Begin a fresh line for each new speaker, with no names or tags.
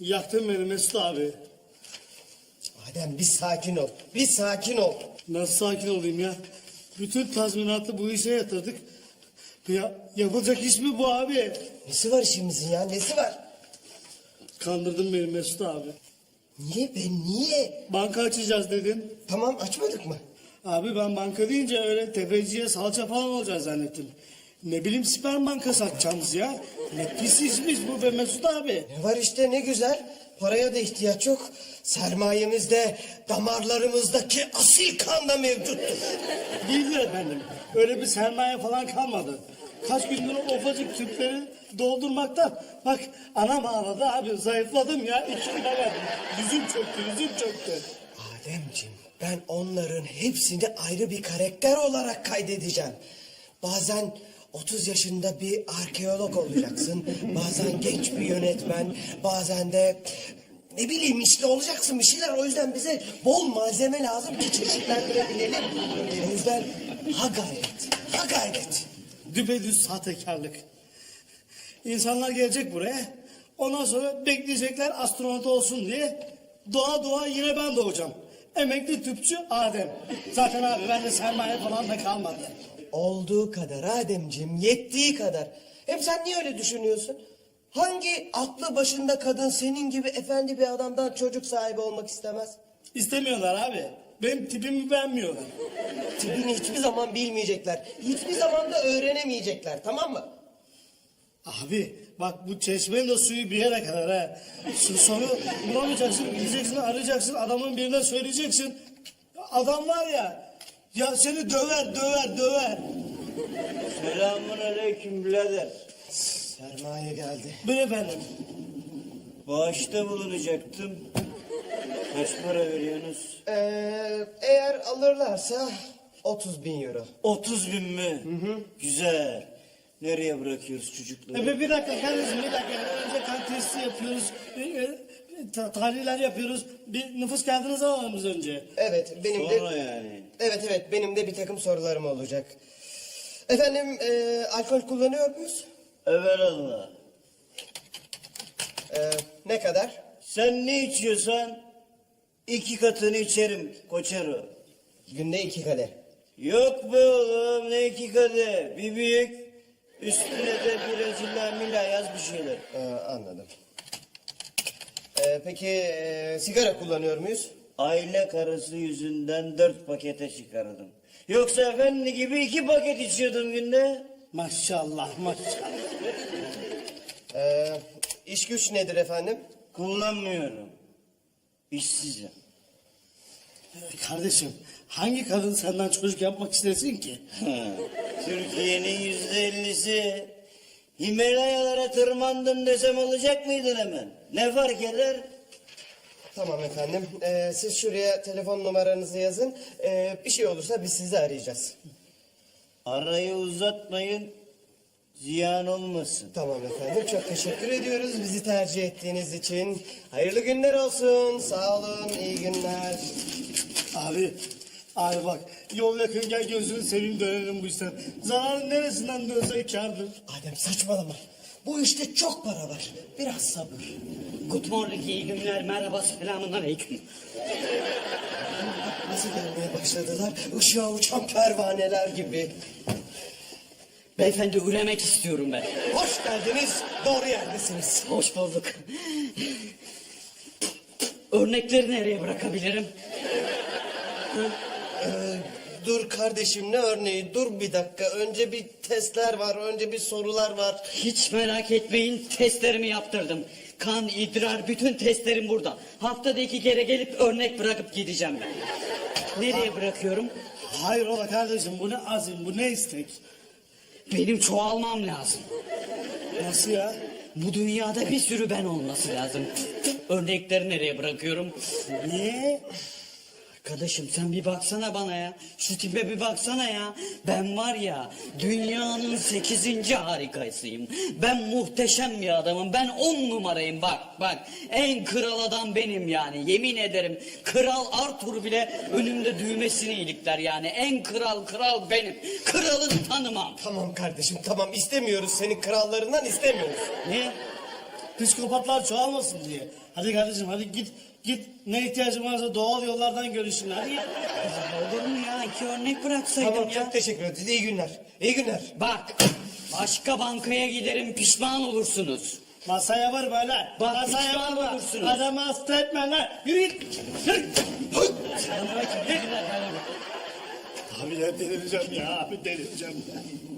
Yaktın beni Mesut abi.
Adem bir sakin ol. Bir sakin ol.
Nasıl sakin olayım ya? Bütün tazminatı bu işe yatırdık. Ya, yapılacak iş mi bu abi?
Nesi var işimizin ya? Nesi var?
Kandırdın beni Mesut abi.
Niye be niye?
Banka açacağız dedin.
Tamam açmadık mı?
Abi ben banka deyince öyle tefeciye salça falan olacağız zannettim. Ne bileyim sperm bankası açacağımız ya. Ne pis işmiş bu be Mesut abi.
Ne var işte ne güzel. Paraya da ihtiyaç yok. Sermayemizde damarlarımızdaki asil kan da mevcuttur.
Değildir efendim. Öyle bir sermaye falan kalmadı. Kaç gündür o ufacık tüpleri doldurmaktan. Bak anam ağladı abi zayıfladım ya. 2 kilo verdim. Yüzüm çöktü.
Ademciğim ben onların hepsini ayrı bir karakter olarak kaydedeceğim. Bazen 30 yaşında bir arkeolog olacaksın. Bazen genç bir yönetmen. Bazen de ne bileyim işte olacaksın bir şeyler. O yüzden bize bol malzeme lazım ki çeşitlendirebilelim. O yüzden ha gayret.
Düpedüz sahtekarlık. İnsanlar gelecek buraya. Ondan sonra bekleyecekler astronot olsun diye. Doğa yine ben doğacağım. Emekli tüpçü Adem. Zaten abi bende sermaye falan da kalmadı.
Olduğu kadar Ademciğim, yettiği kadar. Hem sen niye öyle düşünüyorsun? Hangi aklı başında kadın senin gibi efendi bir adamdan çocuk sahibi olmak istemez?
İstemiyorlar abi. Benim tipimi beğenmiyorlar.
Tipini hiçbir zaman bilmeyecekler. Hiçbir zaman da öğrenemeyecekler, tamam mı?
Abi bak bu çeşmenin de suyu bir yere kadar ha. Sonu bulamayacaksın, gideceksin, arayacaksın, adamın birine söyleyeceksin. Adam var ya seni döver.
Selamun aleyküm birader.
Sermaye geldi.
Bir efendim.
Bağışta bulunacaktım. Kaç para veriyorsunuz?
Eğer alırlarsa 30.000 euro.
30 bin mi? Güzel. Nereye bırakıyoruz çocukları?
Bir dakika kardeşim bir dakika. Önce kan testi yapıyoruz. Tahliller yapıyoruz. Bir nüfus kağıdınızı alalım biz önce.
Evet, benim de...
Sonra yani.
Evet, benim de bir takım sorularım olacak. Efendim, alkol kullanıyor muyuz?
Evelallah.
Ne kadar?
Sen ne içiyorsan 2 katını içerim koçero.
Günde 2 kadeh.
Yok be oğlum ne 2 kadeh. Bir büyük üstüne de bir Brezilya mila yaz bir şeyler.
Anladım. Peki sigara kullanıyor muyuz?
Aile karısı yüzünden 4 pakete çıkardım. Yoksa efendi gibi 2 paket içiyordum günde.
Maşallah.
İş güç nedir efendim?
Kullanmıyorum. İşsizim.
Kardeşim hangi kadın senden çocuk yapmak istesin ki?
Türkiye'nin %50'si Himalayalara tırmandım desem olacak mıydın hemen? Ne fark eder?
Tamam efendim. Siz şuraya telefon numaranızı yazın. Bir şey olursa biz sizi arayacağız.
Arayı uzatmayın, ziyan olmasın.
Tamam efendim. Çok teşekkür ediyoruz bizi tercih ettiğiniz için. Hayırlı günler olsun. Sağ olun. İyi günler.
Abi bak yol yakınken gözünü seveyim dönelim bu işten. Zararın neresinden dönse kârdır.
Adem saçmalama. Bu işte çok para var. Biraz sabır.
Good morning, iyi günler, merhaba, selamun aleyküm.
Nasıl gelmeye başladılar? Işığa uçan pervaneler gibi.
Beyefendi üremek istiyorum ben.
Hoş geldiniz. Doğru yerdesiniz.
Hoş bulduk. Örnekleri nereye bırakabilirim?
Dur kardeşim ne örneği? Dur bir dakika. Önce bir testler var. Önce bir sorular var.
Hiç merak etmeyin, testlerimi yaptırdım. Kan, idrar, bütün testlerim burada. Haftada 2 kere gelip örnek bırakıp gideceğim ben. Nereye bırakıyorum?
Hayrola kardeşim bu ne azim bu ne istek?
Benim çoğalmam lazım.
Nasıl ya?
Bu dünyada bir sürü ben olması lazım. Örnekleri nereye bırakıyorum?
Niye?
Arkadaşım sen bir baksana bana ya. Şu tipe bir baksana ya. Ben var ya dünyanın 8. harikasıyım. Ben muhteşem bir adamım. Ben 10 numarayım bak. En kral adam benim yani. Yemin ederim. Kral Arthur bile önümde düğmesini ilikler yani. En kral benim. Kralını tanımam.
Tamam kardeşim tamam istemiyoruz senin krallarından istemiyoruz.
Ne?
Psikopatlar çoğalmasın diye. Hadi kardeşim hadi git ne ihtiyacın varsa doğal yollardan görüşün hadi.
Ya olur mu ya? 2 örnek bıraksaydım
Tamam
ya.
çok teşekkür ederiz. İyi günler. İyi günler.
Bak başka bankaya giderim pişman olursunuz.
Masaya var böyle.
Bak,
Masaya
pişman
var.
olursunuz.
Adamı hasta etme lan. Yürü git. Yürü. Abi ya delireceğim ya. Abi delireceğim ya.